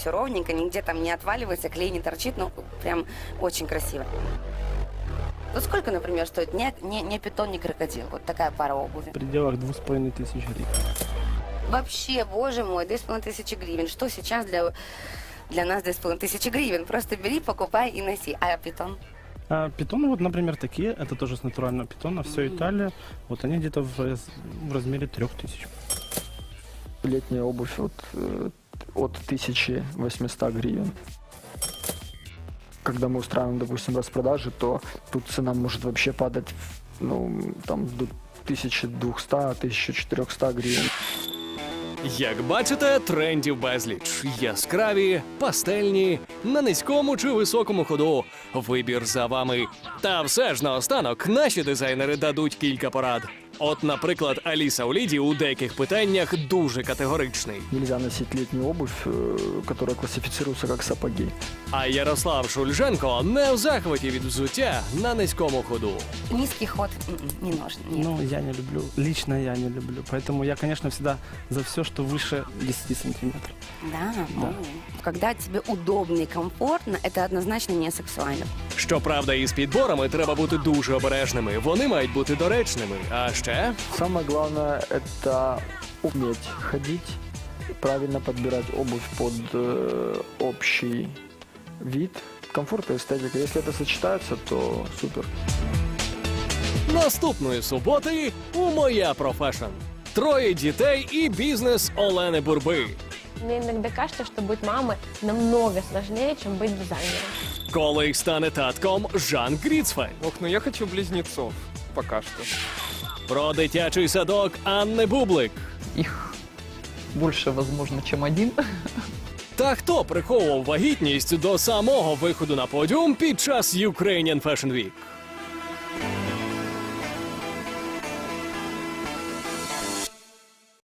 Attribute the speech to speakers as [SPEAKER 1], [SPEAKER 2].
[SPEAKER 1] все ровненько, нигде там не отваливается, клей не торчит, ну, прям очень красиво. Вот сколько, например, стоит не питон, не крокодил? Вот такая пара обуви.
[SPEAKER 2] В пределах 2500 гривен.
[SPEAKER 1] Вообще, боже мой, 2500 гривен. Что сейчас для нас 2500 гривен? Просто бери, покупай и носи. А питон?
[SPEAKER 2] А питоны, вот, например, такие, это тоже с натурального питона, все Италия, вот они где-то в размере 3000.
[SPEAKER 3] Летняя обувь от 1800 гривен. Когда мы устраиваем, допустим, распродажи, то тут цена может вообще падать, ну, там, до 1200-1400 гривен.
[SPEAKER 4] Як бачите, трендів безліч. Яскраві, пастельні, на низькому чи високому ходу. Вибір за вами. Та все ж наостанок наші дизайнери дадуть кілька порад. От, наприклад, Аліса Уліді у деяких питаннях дуже категоричний.
[SPEAKER 3] Нельзя носить летнюю обувь, которая классифицируется как сапоги.
[SPEAKER 4] А Ярослав Шульженко не в захваті від взуття на низькому ходу.
[SPEAKER 1] Низкий ход не нужен. Нет.
[SPEAKER 2] Ну, я не люблю, лично я не люблю, поэтому я, конечно, всегда за все, что выше 10 сантиметров.
[SPEAKER 1] Да, ну, когда тебе удобно и комфортно, это однозначно не сексуально.
[SPEAKER 4] Щоправда, із підборами треба бути дуже обережними. Вони мають бути доречними. А ще
[SPEAKER 3] Самое главное – это уметь ходить, правильно подбирать обувь под общий вид, комфорт и эстетика. Если это сочетается, то супер.
[SPEAKER 4] наступної суботи у «Моя профешн». 3 дітей і бізнес Олени Бурби.
[SPEAKER 5] Мне иногда кажется, что быть мамой намного сложнее, чем быть дизайнером.
[SPEAKER 4] Коли стане татком Жан Гріцфельд.
[SPEAKER 6] Ох, ну я хочу близнецов. Пока что.
[SPEAKER 4] Про дитячий садок Анни Бублик.
[SPEAKER 7] Их больше, возможно, чем один.
[SPEAKER 4] Та хто приховував вагітність до самого виходу на подіум під час Ukrainian Fashion Week?